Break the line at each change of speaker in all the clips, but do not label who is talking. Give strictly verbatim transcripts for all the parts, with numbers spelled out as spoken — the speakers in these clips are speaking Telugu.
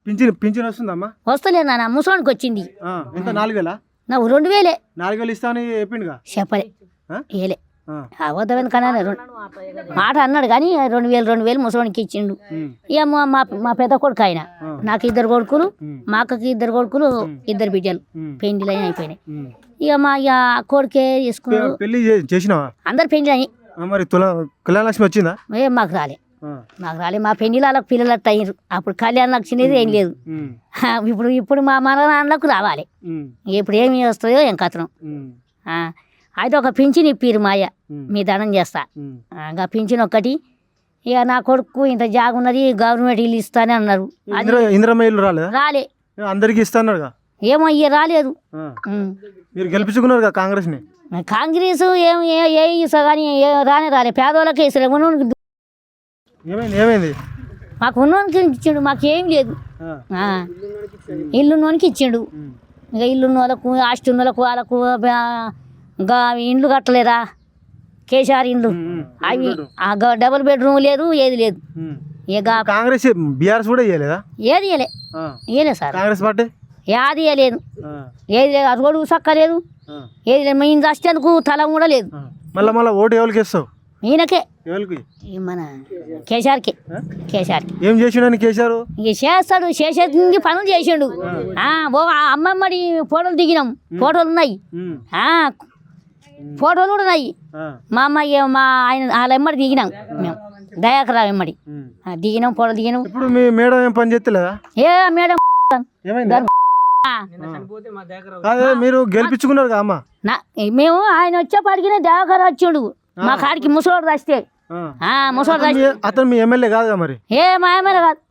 పింఛన్ పింఛన్ వస్తుందమ్మా?
వస్తలేదు నాన్న, ముసలోనికి వచ్చింది.
ఎంత నాలుగు వేలా?
నాకు రెండు వేలే.
నాలుగు వేలు ఇస్తామని చెప్పిండుగా.
చెప్పలే, ఏలే అబద్ధమైన కన్నా మాట అన్నాడు కానీ రెండు వేలు రెండు వేలు ముసలోనికి ఇచ్చిండు. ఇక మా మా పెద్ద కొడుకు ఆయన, నాకు ఇద్దరు కొడుకులు, మా అక్కకి ఇద్దరు కొడుకులు, ఇద్దరు బిడ్డలు పెండ్లు అయిపోయినాయి. ఇక మా ఇక కొడుకే తీసుకున్నాడు.
పెళ్లి చేసినావా?
అందరు పెండ్లు అయ్యి.
మరి తుల కళ్యాణలక్ష్మి వచ్చిందా?
ఏం మాకు రాలే, మాకు రాలే. మా పెళ్లిలో వాళ్ళకి పిల్లలు అట్ట అయ్యారు. అప్పుడు కళ్యాణం వచ్చినది ఏం లేదు. ఇప్పుడు ఇప్పుడు మా మన నాన్నలకు రావాలి. ఇప్పుడు ఏమి వస్తాయో ఏం కథనం. అయితే ఒక పింఛన్ ఇప్పిరు మాయ, మీ దండం చేస్తా. ఇంకా పింఛన్ ఒక్కటి. ఇక నా కొడుకు ఇంత జాగ ఉన్నది, గవర్నమెంట్ ఇల్లు ఇస్తానే అన్నారు.
ఇందిరమ్మ ఇల్లు రాలే?
రాలే,
అందరికి ఇస్తాను.
ఏమో ఇక రాలేదు.
మీరు గెలిపించుకున్నారు కాంగ్రెస్ ని.
కాంగ్రెస్ ఏం ఏ ఇస్తా కానీ రానే రాలే. పేదవాళ్ళకి ఇస్తారు.
ఏమైంది?
మాకు ఉన్నోనికి ఇచ్చిండు, మాకు ఏం లేదు. ఇల్లున్నోనికి ఇచ్చిండు. ఇక ఇల్లున్న వాళ్ళకు, ఆస్తి ఉన్న వాళ్ళకు, వాళ్ళకు ఇంకా ఇండ్లు కట్టలేదా కేసీఆర్ ఇండ్లు, అవి డబుల్ బెడ్రూమ్ లేదు, ఏది లేదు. ఇక
కాంగ్రెస్ బీఆర్ఎస్ కూడా ఇవ్వలేదా?
ఏది ఇవ్వలే, ఇవ్వలేదు సార్.
కాంగ్రెస్ పార్టీ
ఏది ఇవ్వలేదు, ఏది లేదు. అది కూడా సక్క లేదు, ఏది లేదు. మేము వచ్చేందుకు తల కూడా లేదు.
మళ్ళీ మళ్ళీ ఓటు ఎవరికి ఇస్తావు?
ఈయనకే,
ఎవరికి?
మన కేసీఆర్కి. కేసీఆర్కి
ఏం చేసిండు కేసీఆర్?
ఇక చేస్తాడు, చేసేది పనులు చేసిండు. అమ్మమ్మడి ఫోటోలు దిగినాం, ఫోటోలు ఉన్నాయి, ఫోటోలు కూడా ఉన్నాయి. మా అమ్మాయి మా ఆయన వాళ్ళ ఎమ్మడి దిగినాం మేము, దయాకరావు ఎమ్మడి దిగినాం, ఫోటోలు దిగినాం.
ఇప్పుడు మీ మేడం ఏం పని చేస్తలేదా?
ఏ మేడం
మీరు గెలిపించుకున్నారు అమ్మ.
మేము ఆయన వచ్చేపాటికి దయాకర్ వచ్చిండు మా కాడికి. ముసలోడు రాస్తే ముసలోడు రాస్తే
అతను మీ ఎమ్మెల్యే కాదుగా మరి?
ఏ మా ఎమ్మెల్యే కాదు,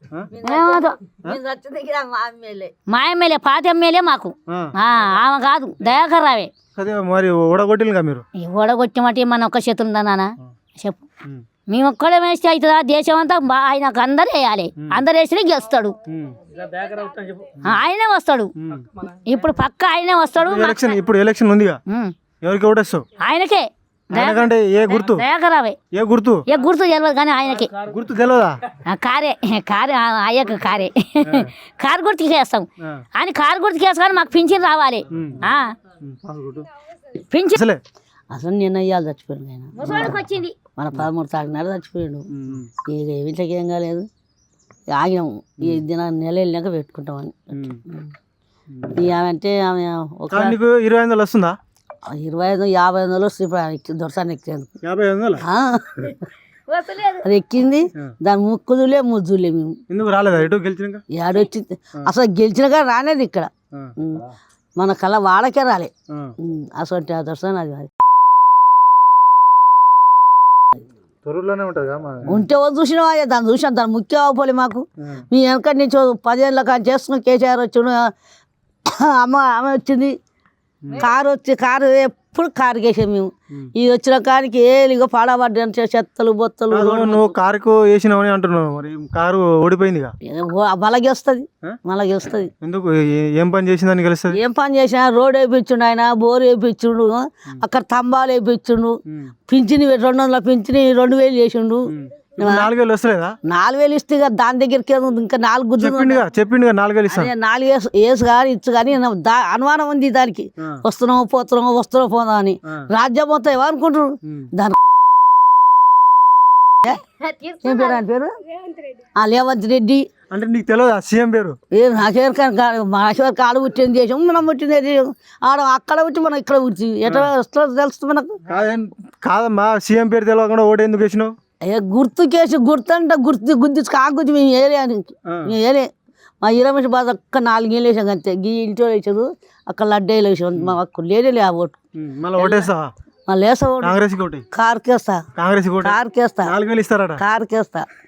మా ఎమ్మెల్యే పాత ఎమ్మెల్యే మాకు. ఆమె కాదు, దయాకర్ రావే.
మరి ఓడగొట్టిగా మీరు?
ఓడగొట్టమంటే మన ఒక్క చేతులు ఉందా నాన్న చెప్పు? మేము ఒక్కడే వేస్తే అవుతుందా? దేశం అంతా ఆయనకు అందరు వేయాలి, అందరు వేసినా గెలుస్తాడు. ఆయనే వస్తాడు, ఇప్పుడు పక్క ఆయనే వస్తాడు.
ఇప్పుడు ఎలక్షన్ ఉందిగా, ఎవరికి ఓటేస్తావు?
ఆయనకే.
ఏ గుర్తు?
దయాకరావే.
ఏ గుర్తు?
ఏ గుర్తు తెలియదు కానీ ఆయనకే
గుర్తు తెలియదా?
కారే, కారే అయ్యకు కారే. కారు గుర్తుకి వేస్తాం అని, కారు గుర్తుకి వేస్తాం కానీ మాకు పింఛన్ రావాలి. పింఛన్
అసలు నిన్న ఇయ్యాలి చచ్చిపోయాడు ఆయన.
ముసలోడికి వచ్చింది
మన పదమూడు తారీఖునాడు చచ్చిపోయాడు. ఇక వీటికి ఏం కాలేదు, ఆగినాము. ఈ దిన నెల వెళ్ళాక పెట్టుకుంటామని. ఇక ఆమె అంటే ఆమె ఒక
ఇరవై ఐదు వందలు వస్తుందా?
ఇరవై ఐదు యాభై వందలు వస్తుంది. ఇప్పుడు దొరసాన్ని ఎక్కాను, అది ఎక్కింది. దాని ముక్కుదులే ముద్దులే. మేము
ఎందుకు రాలేదా? ఎటు గెలిచినాక
ఏడొచ్చింది అసలు, గెలిచినాక రానేది ఇక్కడ మన కళ వాడకే రాలే అసలు. దొరసాన్ని అది ఉంటే చూసినావా? దాన్ని చూసాను, దాని ముఖ్యం అవ్వలే మాకు. మీ వెనకటి నుంచి పదేళ్ళ కానీ చేసుకుని కేసీఆర్ వచ్చిండు, అమ్మ ఆమె వచ్చింది, కారు వచ్చి కారు ఎప్పుడు కారు వేసాం మేము. ఇది వచ్చిన కారికి ఏలిగో పాడబడ్డా చెత్తలు బొత్తలు.
నువ్వు కారుకు వేసినావని అంటున్నావు, మరి కారు ఓడిపోయింది.
మళ్ళీ వస్తుంది, మళ్ళీ వస్తుంది.
ఎందుకు? ఏం పని చేసిందని గెలుస్తుంది?
ఏం పని చేసినా రోడ్ వేయించుండు ఆయన, బోరు వేయించుండు, అక్కడ తంబాలు వేయించుండు, పింఛని రెండు వందల పింఛని రెండు వేలు చేసిండు.
నాలుగు వేలు వస్తలేదా?
నాలుగు వేలు ఇస్తే దాని దగ్గరికి ఇంకా నాలుగు
చెప్పిండు నాలుగు వేలు ఇస్తాను.
నాలుగు వేసు వేసు కానీ ఇచ్చు కానీ అనుమానం ఉంది దానికి. వస్తున్నావు పోతున్నావు వస్తున్నావు పోదా అని. రాజ్యం మొత్తం ఏమనుకుంటారు దాని ఏం పేరు? ఆయన పేరు రేవంత్ రెడ్డి.
అంటే నీకు తెలియదా సీఎం పేరు?
ఏం నాకేరు కానీ మాకేవరకు ఆడ పుట్టింది దేశం, మనం పుట్టింది ఆడ అక్కడ పుట్టి మనం ఇక్కడ పుట్టి ఎట్లా వస్తుందో తెలుస్తుంది మనకు.
కాదమ్మా, సీఎం పేరు తెలియకుండా ఓటు ఎందుకు వేసినావు?
అయ్యా గుర్తు కేసు గుర్తు అంటే గుర్తు గుర్తించు కాగుర్తి మేము ఏలే అని మేము ఏలే. మా ఇరవై బాధ ఒక్క నాలుగేళ్ళు వేసాం అంతే. గీ ఇంట్లో వేసారు, అక్కడ లడ్డేలు వేసాం. మా అక్కడ లేదే ఆ ఓటు. మళ్ళీ వేసా ఓటు కారుకేస్తా, కారుకేస్తా, కారుకేస్తా.